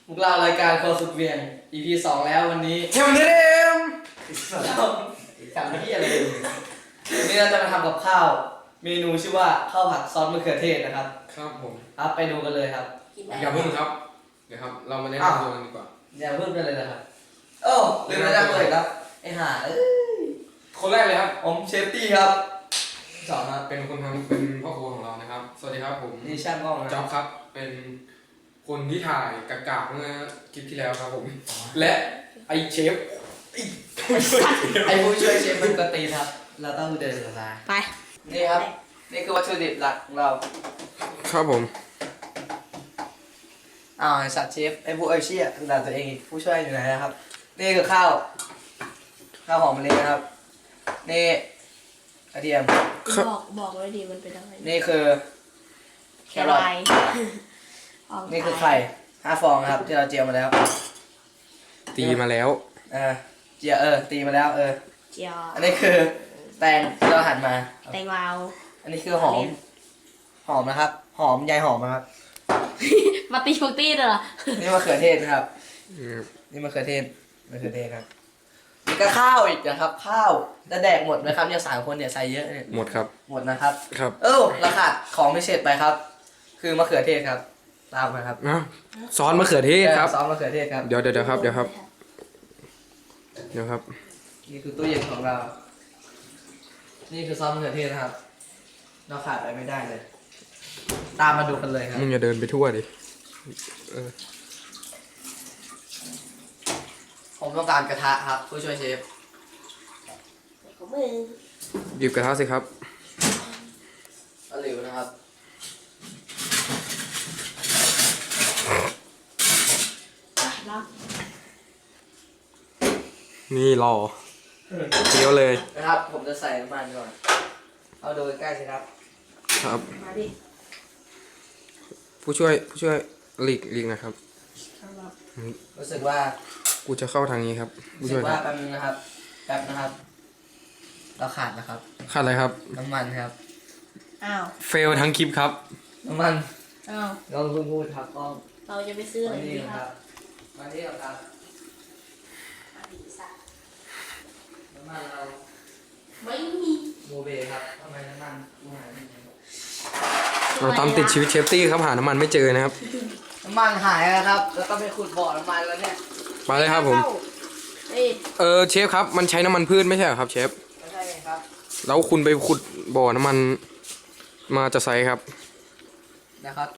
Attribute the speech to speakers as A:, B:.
A: พวกเรารายการครัวสุดเวียง EP 2 แล้ววันนี้
B: เทมเทม
A: ทำที่อะไรวันนี้เราจะมาทำกับข้าว เมนูชื่อว่าข้าวผัดซอสมะเขือเทศนะครับ
B: ครับผม
A: ครับไปดูกันเลยครับ
B: อย่าเพิ่งครับเดี๋ยวครับเรามาแนะนำตัวกันดีกว่า
A: อย่าเพิ่มกันเลยนะครับโอ้ลืมแนะนำตัวอีกครับไอ้ห่า
B: คนแรกเลยครับ
A: ผมเชฟตี้ครับสองครับ
B: เป็นคนทำเป็นพ่อครัวของเรานะครับสวัสดีครับผม
A: นี่ช่างกล้องนะ
B: จ๊อบครับเป็นคนที่ถ่ายกากๆเมื่อคลิปที่แล้วครับผมและไอเชฟ
A: ไอ้ผู้ช่วยเชฟมันกตีครับ เราต้องเดินสาย
C: ไป
A: นี่ครับ นี่คือวัตถุดิบหลักของเรา
B: ครับผม
A: ไอ้สัตว์เชฟไอ้ผู้เชี่ยด่าตัวเองอีกผู้ช่วยอยู่ไหนนะครับ นี่คือข้าวหอมมะลินะครับ นี่กระเทียม
C: บอกไว้ดีมันเป็นอะไร
A: นี่คือแครอท นี่คือไข่5 ฟองนะครับ ที่เราเจียวมาแล้ว
B: ตีมาแล้ว
A: เจียวตีมาแล้ว
C: เจียว
A: อันนี้คือแตงที่เราหั่นมา
C: แตงลาว
A: อันนี้คือหอมนะครับ หอมใยหอมนะครับ
C: มาตีฟุกตี้เหรอ
A: นี่มะเขือเทศนะครับ นี่มะเขือเทศครับนี่ก็ข้าวอีกนะครับ ข้าวจะแดกหมดไหมครับเนี่ย3 คนเนี่ยใส่เยอะเนี่ย
B: หมดครับ
A: หมดนะครับ
B: ครับ
A: เราขาดของพิเศษไปครับ คือมะเขือเทศครับ ตามมาครับ
B: ซอสมะเขือเทศครับ
A: ซอสมะเขือเทศครับ
B: เดี๋ยวครับเดี๋ยวครับ
A: นี่คือตู้เย็นของเรา นี่คือซอสมะเขือเทศนะครับ เราขาดไปไม่ได้เลย ตามมาดูกันเลยครับ
B: มึงอย่าเดินไปทั่วดิ
A: ผมต้องการกระทะครับ ผู้ช่วยเชฟ
C: ของมือ
B: หยิบกระทะสิครับ
A: ตะหลิวนะครับ
C: แล้ว
B: นี่รอเคี้ยวเลย
A: นะครับ ผมจะใส่น้ำมันก่อน เอาดูใกล้ๆสิครับ
B: ครับ
C: มาดิ
B: ผู้ช่วยหลีกนะครับ
A: รู้สึกว่า
B: กูจะเข้าทางนี้ครับ ผู้
A: รู้สึ
B: ช่ว
A: ก
B: ย
A: ว่าแป๊บนึงนะครับ เราขาดนะครับ
B: ขาดอะไรครับ
A: น้ำมันครับ
C: อ้าว
B: เฟลทั้งคลิปครับ
A: น้ำมัน
C: อ้าว
A: ลองพูดครับต้อง
C: เราจะไปซื้ออะไร
A: นี่
C: ดี
A: ค
C: ค
A: รั
C: รั
A: บบ มาที่ครับ
C: มาดิสัตว์
A: น้ำมันเรา
C: ไม่มี
A: โมเบครับทำไมน้ำมันกูหายไปไหน
B: เราตามติดชีวิตเชฟตี้ครับหาน้ำมันไม่เจอนะครับ
A: น้ำมันหายแล้วครับ แล้วก็ไปขุดบ่อน้ำมันแล้วเนี่ย
B: ไปเลยครับผม
C: เฮ้ย
B: เชฟครับมันใช้น้ำมันพืชไม่ใช่เหรอครับเชฟ
A: ไม่ใช่ไงครับ
B: แล้วคุณไปขุดบ่อน้ำมันมาจะใส่ครับ
A: นะครับ